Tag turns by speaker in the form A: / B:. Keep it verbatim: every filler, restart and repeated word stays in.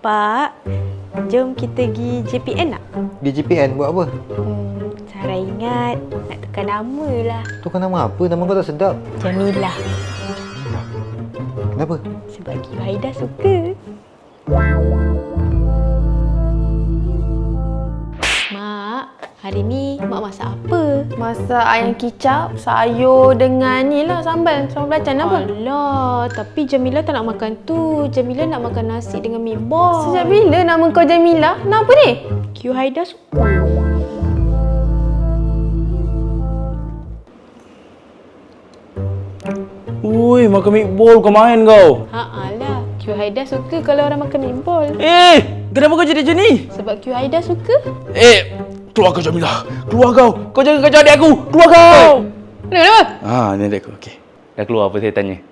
A: Pak, jom kita pergi J P N tak?
B: Di J P N buat apa?
A: Hmm, Sarah ingat nak tukar nama lah.
B: Tukar nama apa? Nama kau tak sedap.
A: Jamilah.
B: Kenapa?
A: Sebab Q Haida suka. Mak, hari ni Mak masak apa?
C: Masak ayam kicap, sayur dengan ni lah sambal. Sambal belacan apa?
A: Alah, tapi Jamila tak nak makan tu. Jamila nak makan nasi dengan mi bol.
C: Sejak bila nama kau Jamila? Nama apa ni?
A: Q Haida suka.
D: Ui, makan meatball kau main kau.
A: Ha alah, Q Haida suka kalau orang makan mi bol.
D: Eh, kenapa kau jadi macam ni?
A: Sebab Q Haida suka.
D: Eh, keluar kau Jamilah. Keluar kau. Kau jangan kacau adik aku. Keluar kau.
A: Kenapa?
D: Ah, ni adik aku. Okey. Dah keluar apa saya tanya?